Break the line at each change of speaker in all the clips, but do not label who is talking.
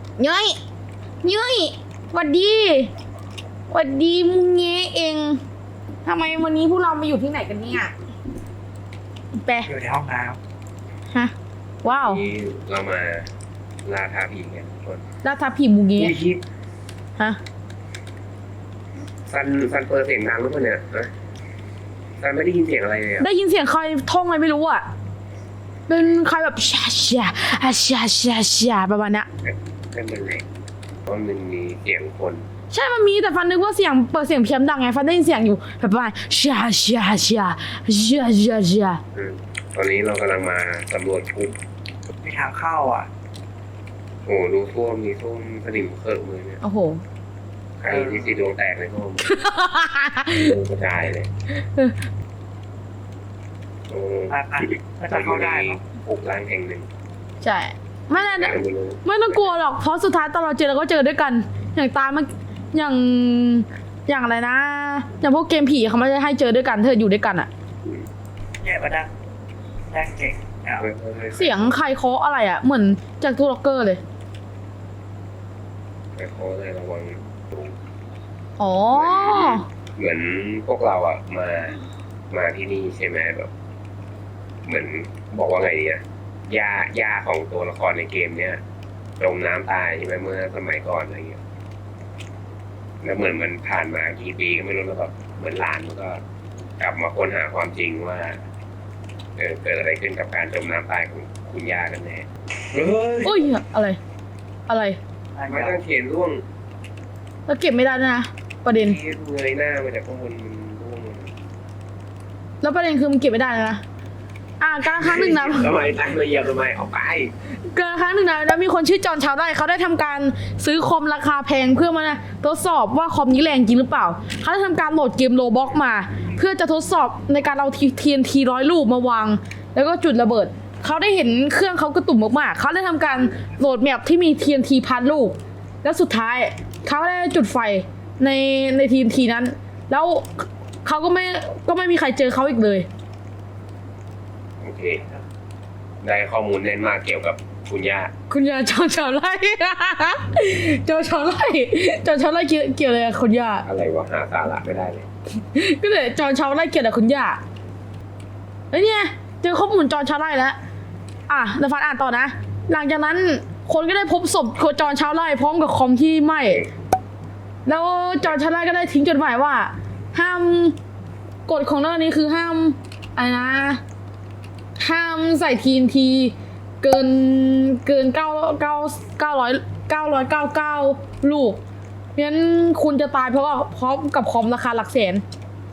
เย้ยเย้ยหวัดดีหวัดดีมุงเงเองทำไมวันนี้พวกเรามาอยู่ที่ไหนกันเนี่ยแปะ
อยู่ในห้องน้
ฮะว้าว
นี่เรามาล่าท้าผีกันทุกคน
แล้วทับผีมุงเง
อุ้ยคิด
ฮะ
ซันเปิดเสียงดังหรือเปล่าเนี่ยนะซันไม่ได้ยินเสียงอะไรเลยอ่ะ
ได้ยินเสียงใครท่องอะไรไม่รู้อ่ะเป็นใครแบบชาชาชาชาชาประมาณเนี้ย
นั่นเป็นไงเพราะมันมีเสียงคน
ใช่มันมีแต่ฟันนึกว่าเสียงเปิดเสียงเพี้ยนดังไงฟันได้ยินเสียงอยู่แบบว่าชาชาชาชาชาชา
ตอนนี้เรากำลังมาสำรวจคุก
ำมีทางเข้าอ่ะ
โอ้ดูท่วมมีท่วมสนิมเคอะมือเนี่ย
โอ้โห
ใครที่สีดวงแตกในท่วมกระจายเลยโอ้
น่าจะเข้าได้เนอะ
คุกร้างแห่งหนึ่ง
ใช่ไม่น่า
ไม่รู้
ไม่ต้องกลัวหรอกเพราะสุดท้ายตอนเราเจอเราก็เจอด้วยกัน อย่างตามมันอย่างอะไรนะอย่างพวกเกมผีเขาไม่ได้ให้เจอด้วยกันเธออยู่ด้วยกันอะ
แย่มาดังเก่งอ่ะ
เสียงใครเคาะอะไรอะเหมือนจากตู้ล็อกเกอร์เลย
แต่เขาเลยระวังดู
อ๋อ
เหมือนพวกเราอ่ะมาที่นี่ใช่ไหมแบบ เหมือนบอกว่าไงดีอ่ะย่าของตัวละครในเกมเนี้ยจมน้ำตายใช่ไหมเมื่อสมัยก่อนอะไรเงี้ยแล้วเหมือนมันผ่านมากี่ปีก็ไม่รู้แล้วแบบเหมือนหลานมันก็กลับมาค้นหาความจริงว่าเกิดอะไรขึ้นกับการจมน้ำตายของคุณย่ากันแน่เฮ้ย
อุ้ยอะไร อะไร
ไม่ต้องเขียนร่วง
แล้วเก็บไม่ได้ด้วยนะประเด็น
ที่เงยหน้ามาจากข้างบนมันร่วง
แล้วประเด็นคือมันเก็บไม่ได้นะการครั้งหนึ่งนะ
ทำไมตั้งเลยเหยียบทำไมออกไป
การครั้งหนึ่งนะแล้วมีคนชื่อจอห์นชาวไร่เขาได้ทำการซื้อคอมราคาแพงเพื่อมาทดสอบว่าคอมนี้แรงจริงหรือเปล่าเขาได้ทำการโหลดเกมโรบ็อกมา เพื่อจะทดสอบในการเอาTNT 100 ลูกมาวาง แล้วก็จุดระเบิดเขาได้เห็นเครื่องเขากระตุ่มมากๆเขาได้ทำการโหลดแมปที่มี TNT 1,000 ลูก แล้วสุดท้ายเขาได้จุดไฟใน TNT นั้น แล้วเขาก็ไม่มีใครเจอเขาอีกเลย
โอเค ได้ข้อมูลแน่นมากเกี่ยวกับคุณย่า
คุณยาจอชาวไร่ จอชาวไร่จอชาวไร่เกี่ยวอะไรกับคุณย่า
อะไรวะหาสาระไม่ได้เลย
ก็เลยจอชาวไร่เกี่ยวกับคุณย่าเฮ้ยเนี่ยเจอข้อมูลจอชาวไร่แล้วเดี๋ยวฟันอ่านต่อนะ หลังจากนั้นคนก็ได้พบศพจอชาวไร่พร้อมกับคอมที่ไหม้แล้วจอชาวไร่ก็ได้ทิ้งจดหมายว่า ห้ามกฎของเรื่องนี้คือห้ามอะไรนะ ห้ามใส่ TNT เกิน999ลูกเพราะฉะนั้นคุณจะตายเพราะกับคอมราคาหลักแสน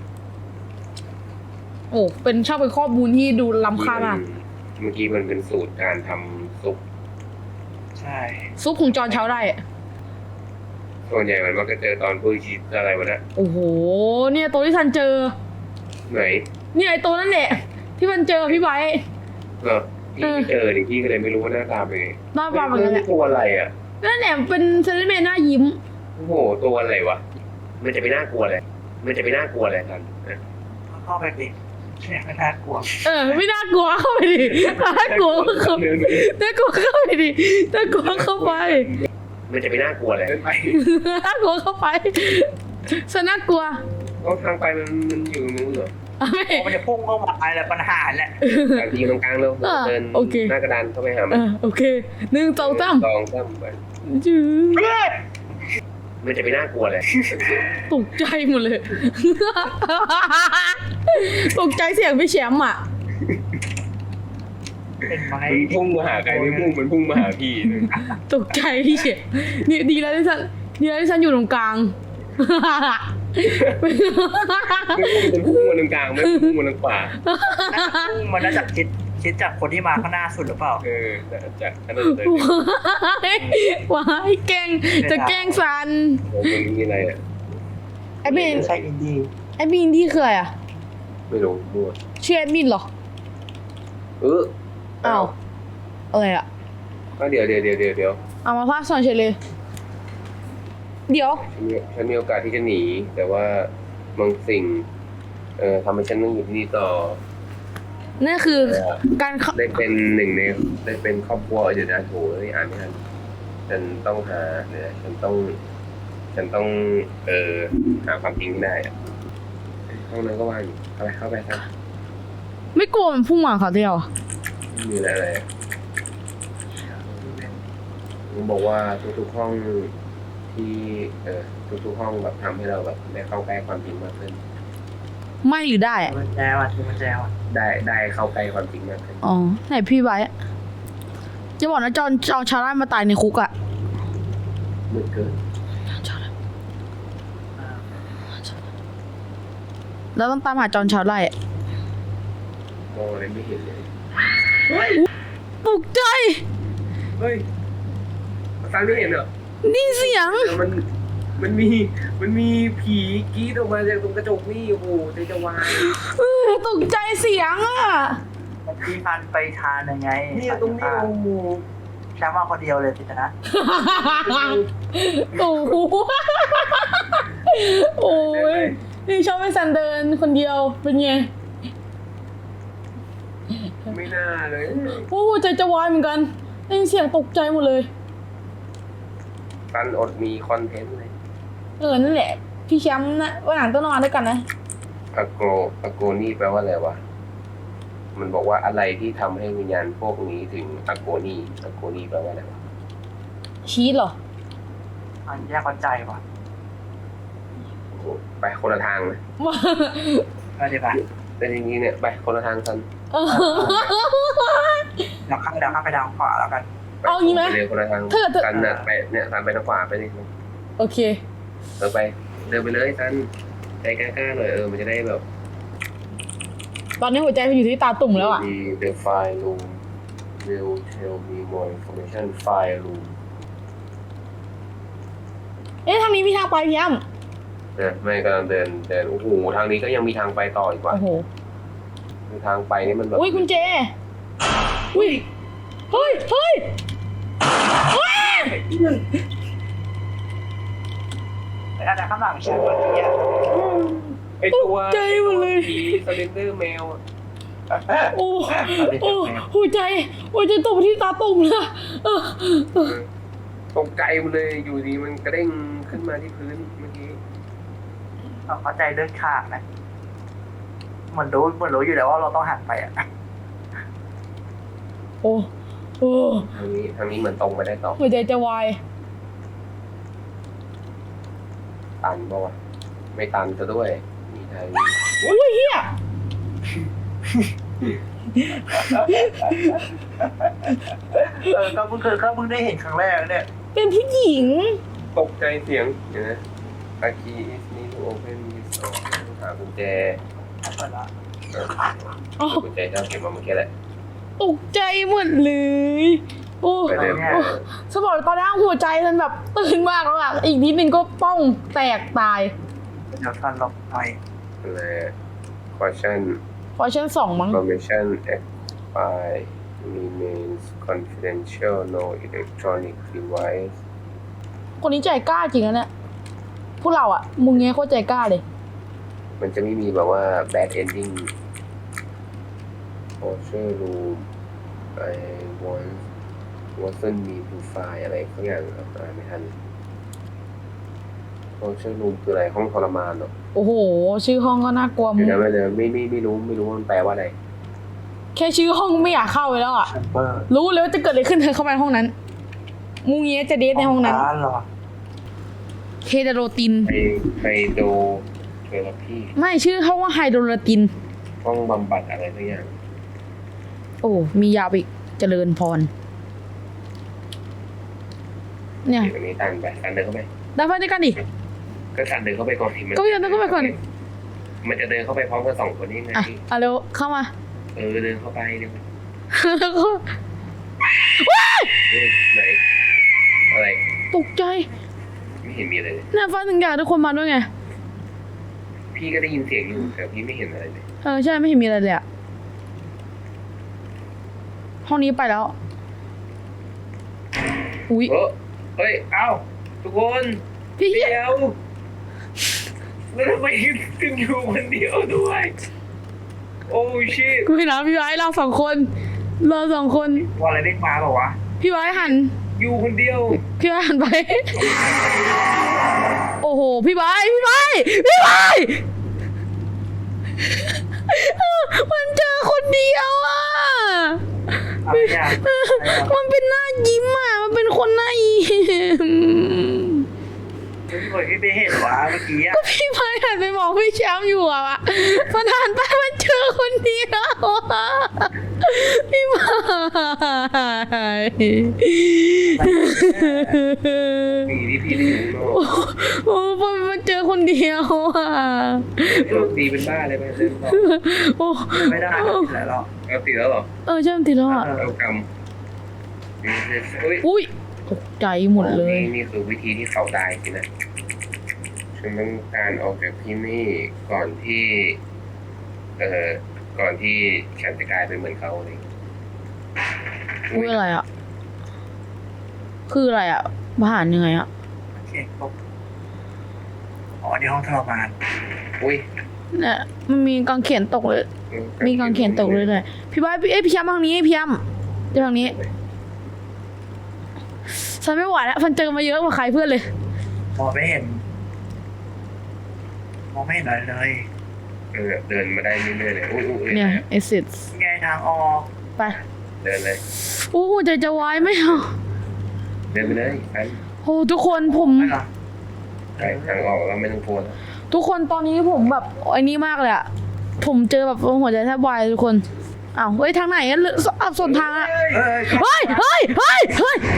โอ้เป็นข้อมูลที่ดูล้ำค่ามาก
เมื่อกี้มันเป็นสูตรการทำซุป
ใช่
ซุปของจอห์นชาวไร่
ส่วนใหญ่มันมักจะเจอตอนพูดคิดอะไรวะนะ
โอ้โหเนี่ยตัวที่ทันเจอ
ไหน
เนี่ยไอตัวนั่นแหละที่มันเจอพี่ไบร์ท
เหรอพี่ไม่เจอดิพี่ก็เลยไม่รู้ว่าหน้าตาเป็นไง
หน้าตาเหมือนกันแหละ
ตัวอะไรอ่ะ
นั่นแหละเป็นเซเลนแมนหน้ายิ้ม
โอ้โหตัวอะไรวะมันจะไปน่ากลัวเลยมันจะไปน่ากลัวอะไรกันนะ
เข้าไปดิเนี่ยไม่น่ากลัว
ไม่น่ากลัวเข้าไปดิน่ากลัวเข้าไปดิน่ากลัวเข้าไป
มันจะไปน่ากลัวเลย
ไป
น่ากลัวเข้าไปสน่ากลัว
ก็ทางไปมันอยู่ตรงนู้นเหรอ
ไม่
มันจะพุ่งเข้ามาอะไรปัญหาแหละ
ทางที่ตรงกลางเราเดิน
โอเค
หน้ากระดานเข้าไปหามัน
โอเค1 2 3
ลองซ้ำไป
จื้อ
มันจะไปน่ากลัวเลย
ตกใจหมดเลย ตกใจเสียงพี่แชมป์อ่ะ
เป็นไม้
มันพุ่งมาหาใครไม่พุ่งมันพุ่งมาหาพี่เลย
ตกใจพี่เฉยนี่ดีแล้วที่ฉันอยู่ตรงกลาง
ไม่พุ่งมันพุ่งมาตรงกลางไม่พุ่งมาตรงขวา
พุ่งมันน่าจะคิดจากคนที่มาข้างหน้าสุดหรือเปล่า
จากขนาดเลย
ว้ายแกล้งจะแกล้งซัน
ผมมันมีอะไรอ่ะ
แอดมิน
ไม่ใช่อินดี้
แอดมินที่คืออะไรอ่ะ
ไม่รู้มั่ว
ชื่อแอดมินเหรอ อ้าวอะไรอ่ะ
ก็เดี๋ยว
เอามาพากย์สอนเฉยเลย เดี๋ยว
ฉันมีโอกาสที่จะหนี แต่ว่าบางสิ่งทำให้ฉันต้องอยู่ที่นี่ต่อ
นั่นคือการ
ได้เป็นหนึ่งในได้เป็นครอบครัวเดี๋ยวนะโถอ่านไม่ทันฉันต้องหาเนี่ยฉันต้องหาความจริงให้ได้อะห้องนั้นก็ว่างอยู่เข้าไปซะ
ไม่กลัวมันพุ่งมาเขาเดียว
ไม่มีอะไรเลยผมบอกว่าทุกๆห้องที่ทุกๆห้องแบบทำให้เราแบบได้เข้าใกล้ความจริงมากขึ้น
ไม่หรือได้อะ
มันแจว่ะที่มันแจว่ะ
ได้เข้าใกล้ความจริงมากขึ้น
อ๋อไหนพี่ไว้อะจะบอกนะจอนชาวไร่มาตายในคุกอะ
มืดเกิน
แล้วต้องตามหาจอนชาวไร่อะ
มองอะไรไม่เห็นเลย
ตกใจ
เฮ้ยฟังไม่เห็นเหรอ
นี่เสียง
มันมีผีกรี๊ดออกมาจากตรงกระจกนี่โอ้โหใจจะวาย
ตกใจเสียงอะ
พี่พันไปทานยังไง
เนี่ยตรงนี้โอ้โห
แชมป์มาคนเดียวเลยสินะ
โอ้โหโอ้ยนี่ชอบไปซันเดินคนเดียวเป็นไง
ไม่น่าเลย
โอ้ใจจะวายเหมือนกันได้ยินเสียงตกใจหมดเลย
ฟันอดมีคอนเทนต์เลย
นั่นแหละ พี่แชมป์นะวันหลังต้องนอนด้วยกันนะ
อะโกนี่แปลว่าอะไรวะ มันบอกว่าอะไรที่ทำให้วิญญาณพวกนี้ถึงอะโกนี่แปลว่าอะไรวะ
ชีสเหรอ
อันแยกคนใจว่ะ
โอ้โหไปคนละทางเลย
ก็ดีป่ะ
แต่จริงๆเนี่ยไปคนละทางกัน
เดี๋ยวข้ามไปทางขวาแล้วกัน
ไป
เอางี้ไหม
ปเลยคนละทาง
ถ้าเกิด
กันน่ะไปเนี่ยซันไปทางขวาไปดิ
โอเค
เดินไปเลยซันใจกล้าๆหน่อยมันจะได้แบบ
ตอนนี้หัวใจมันอยู่ที่ตาตุ่มแล้วอ่ะ
The file room will tell me more information file room
ทางนี้มีทางไปพี่อ้ำ
นะไม่กำลังเดินโอ้โหทางนี้ก็ยังมีทางไปต่ออีกว่า
โอ้โห
คือทางไปนี่มันแบบ
อุ้ยคุณเจ อุ้ย เฮ้ย
อาจจะข้างหลังแชมป์วันนี้
ไอตัว
ตกใจหมดเลย
ผีสเลนเดอร์แมว
โอ้หัวใจตกไปที่ตาตุ่มเลยอะเออ
ตกใจมันเลยอยู่ดีมันกระเด้งขึ้นมาที่พื้นเมื่อกี้
เข้าใจเลือดขาดนะเหมือนรู้อยู่แล้วว่าเราต้องหันไปอ่ะ
โอ้
ทางนี้เหมือนตรงไปได้ต่อ
หัวใจจะวาย
ตันปะวะไม่ตันซะด้วยมีทางนี้
อุ้ยเฮีย
ก็เพิ่งได้เห็นครั้งแรกเนี่ย
เป็นผู้หญิง
ตกใจเสียงเห็นไหมอาคีอิสนี่โอเพนมิสหากุญแจ
เปิดละ
อ๋อ
กุญแจเจ้าเก็บมาเมื่อกี้แหละ
ตกใจหมดเลย โอ้
ไปเดิน
สมองตอนนั้นหัวใจมันแบบตื่นมากแล้วอะอีกนิดนึงก็ป้องแตกตาย
เดี๋ยวทันลบหน่อย
อะไร question
เพราะฉัน2มั้ง
information expire remains confidential no electronic device
คนนี้ใจกล้าจริงนะเนี่ยพวกเราอะมึงเงี้ยโคตรใจกล้าเลย
มันจะไม่มีแบบว่า bad ending torture room I wasn't me to find อะไรสักอย่างอ่านไม่ทัน torture room คืออะไรห้องทรมานเหรอ
โอ้โห ชื่อห้องก็น่ากลัวมึ
เดี๋
ง
ยวนะไม่รู้ว่ามันแปลว่าอะไร
แค่ชื่อห้องไม่อยากเข้าไปแล้วอะ
แชมเปอร์
รู้เลยว่าจะเกิดอะไรขึ้นเธอเข้าไปในห้องนั้นมูเงี้ยจะเดทในห้องนั้น
ร้านเหรอ
เฮโดโรติน
ไฮโดเทอราพี
ไม่ชื่อเขาว่าไฮโดรติน
ห้องบำบัดอะไรสักอย่าง
โอ้มียาวอีกเจริญพร เนี่ย
เดี๋ยวนี้ตันไปตันเดินเข้าไป
ได้ไปด้วยกันดิ
ก็ตันเดินเข้าไปก่อนทีมัน
ก็พี่ตันเดินเข้าไปก่อน
มันจะเดินเข้าไปพร้อมกันสองคนนี้ไง
อ่ะเร็วเข้ามา
เดินเข้าไปเดี๋ยว
แล้วก็
ไหนอะไร
ตกใจ
ไม่เห็นมีอะไรเลย
เนี่ยฟ้าถึงอยากทุกคนมาด้วยไง
พี่ก็ได้ยินเสียงอยู่แต่พี่ไม่เห็นอะไรเลย
ใช่ไม่เห็นมีอะไรเลยอะห้องนี้ไปแล้ว อุ๊ย
เฮ้ยเอ้าทุกคน
พี่เหี้ย
เดี๋ยวแล้วทำไมถึงอยู่คนเดียวด้วย โอ้ชิต
กูเห็นนะพี่ไว้เรา2 คน
ว่าอะไรเด้งมาบอกวะ
พี่ไว้หัน
อยู่คนเดียว
พี่หันไป โอ้โห พี่ไบร์ทมันเจอคนเดียวอ่ะ
อะไรอ่ะ
มันเป็นหน้ายิ้มอ่ะ มันเป็นคนหน้ายิ้ม
พี่เคยไม่เห็นวะเมื่อกี้อ่ะ
ก็พี่ไบร์ทหันไปมองพี่แชมป์อยู่อ่ะมันหันไปมันเจอคนเดียวอ่ะพี่ไบร์ท
ผีที่พี่ได้อยู่ข้างนอก
โอ้มันเจอคนเดียวอ่ะ
โชคดีเป็นบ้าเลยไหมเดินต่อ
โอ้
ไม่ได้ไม่ได้หรอก
เอาติดแล้วเหรอ
ใช่มันติดแล้วอ่ะ
เอากำอุ้ย
อุ้ยตกใจหมดเลย
นี่คือวิธีที่เขาตายสินะฉันต้องการออกจากที่นี่ก่อนที่ ก่อนที่ฉันจะกลายเป็นเหมือนเขาเลย
อุ้ยอะไรอ่ะ คืออะไรอ่ะผ่านยังไงอ่ะ
เช็คปุ๊บอ๋อในห้องทรมาน
อุ้ย
เนี่ยมันมีกางเขนตกเลย มีกางเขนตกเลยเลยพี่บ้าพี่ย้ำทางนี้พี่ย้ำทางนี้ฉันไม่ไหวแล้วฉันเจอมาเยอะกว่าใครเพื่อนเลย
มองไม่เห็นอะไรเลย
เดินมาได้เรื่อยๆเลยอุ้ย
เนี่ยเอซิส
ไงทางออก
ไป
เดินเลย
อู้ใจจะวายไหมอ่ะ
เดินไปเลยไป
โอ้ทุกคนผม
ไม่หรอ
ไปทางออกเราไม่ต้องกลัวแล้ว
ทุกคนตอนนี้ผมแบบไอ้นี่มากเลยอะผมเจอแบบหัวใจแทบวายทุกคนอ้าวเฮ้ยทางไหนอะอับสนทางอะ
เอ้ย
เฮ้ย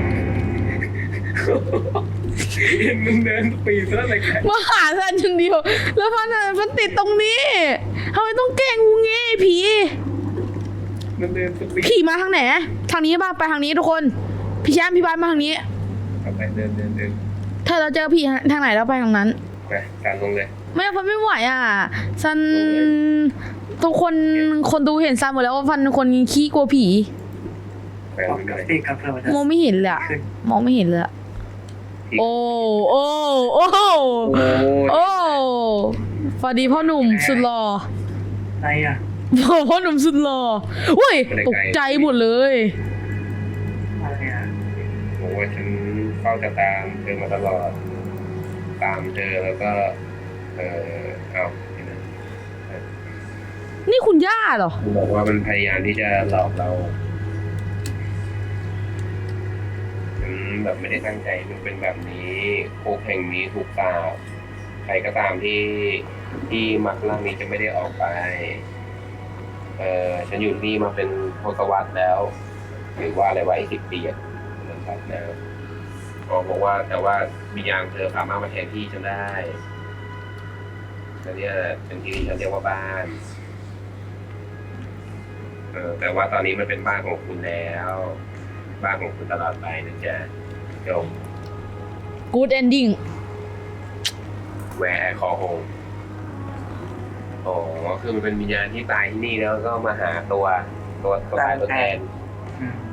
มึงเดินปีซะอะไรกัน
มาหาฉันคนเดียวแล้วมันติดตรงนี้ทำไมต้องแกล้งงูงี้ผี
มันเดินสปีด
ผีมาทางไหนทางนี้ป่ะไปทางนี้ทุกคนพี่แชมป์พี่บ้านมาทางนี้
ไปเดิน
ถ้าเราเจอผีทางไหนเราไปทางนั้น
ไปการลงเลย
ไม่ไหวอ่ะซันทุกคนดูเห็นซันหมดแล้วว่าฟันเป็นคนขี้กลัวผี
ไป
ออก
เรื่
กับ
อย
ปีกกับเพื่อนมันจะ
มองไม่เห็นเลยอะ
ขึ้น
มองไม่เห็นเลยอะ
ๆ
โอ้สวัสดีพ่อหนุ่มสุดหล่อ
อะไรอ่ะ
พ่อหนุ่มสุดหล่ออุ้ยตกใจหมดเลย
อะไรอ่ะ
บอกว่าฉันเฝ้าจะตามเธอมาตลอด ตามเธอแล้วก็เอาเห็นไหม
นี่คุณย่าเหรอ
มันบอกว่ามันพยายามที่จะหลอกเราฉันแบบไม่ได้ตั้งใจมันเป็นแบบนี้คุกแห่งนี้ถูกสาปใครก็ตามที่มักร่างนี้จะไม่ได้ออกไป ฉันอยู่ที่นี่มาเป็นทศวรรษแล้ว หรือว่าอะไรไว้10 ปีอะนะครับนะบอกว่าแต่ว่าวิญญาณเธอสามารถมาแทนที่ฉันได้และเนี่ยเป็นที่ที่ฉันเรียกว่าบ้าน แต่ว่าตอนนี้มันเป็นบ้านของคุณแล้ว บ้านของคุณตลอดไปนะจ๊ะจบ
Good ending
แหวร์คอโฮมอ๋อคือมันเป็นวิญญาณที่ตายที่นี่แล้วก็มาหาตัวตายตัวแทน
อืม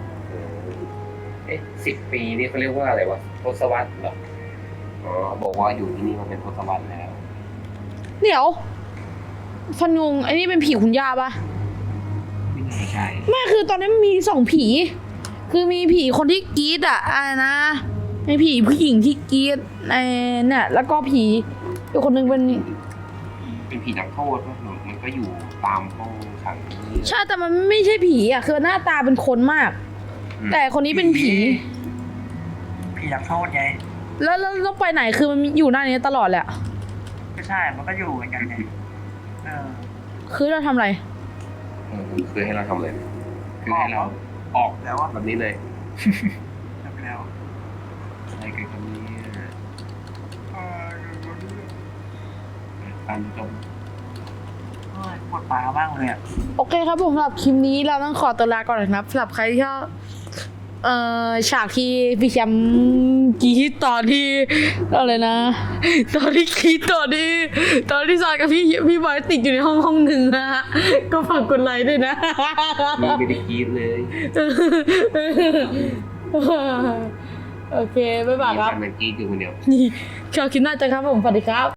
10 ปีนี่เขาเรียกว่าอะไรวะทศวรรษเหรออ๋อบอกว่าอยู่ที่นี่มาเป็นทศวรรษแล้ว
เดี๋ยวฟันงงไอ้นี่เป็นผีคุณย่าปะ
ไม่ใช่
ไม่คือตอนนี้มันมี2 ผี คือมีผีคนที่กรี๊ดอะอะไรนะมีผีผู้หญิงที่กรี๊ดเนี่ยแล้วก็ผีอีกคนนึงเป็น
เป็นผีนักโทษว่ามันก็อยู่ตามห้องขังนี่
ใช่แต่มันไม่ใช่ผีอะคือหน้าตาเป็นคนมาก แต่คนนี้เป็นผี
ผีนักโทษไง
แล้วต้องไปไหนคือมันอยู่หน้านี้ตลอดแหละ
ไม่ใช่ มันก็อยู่เหมือนกันไงเออ
คือเราทำอะไร
คือให้เราทำอะไรคือให้เราออก
แล้วว่า
แบบนี้เลย
จบแล้ว
อะไรกันครับเนี่ยการจบ
ปวดปลามากเลยอ่ะ
โอเคครับผมสำหรับคลิปนี้เราต้องขอตัวลาก่อนนะครับสำหรับใครที่ชอบฉากที่พี่แชมป์กรีดตอนที่อะไรนะ ตอนที่กรีดตอนที่ซอยกับพี่บอยติดอยู่ในห้องหนึ่งนะฮะก็ฝากกดไลค์ด้วยนะ
ไม่ได้กรีดเลย
โอเคบ๊ายบายครับ
มันกรีดอยู่คนเดียว
นี่ชอบคลิปหน้าเจอครับผมสวัสดีครับ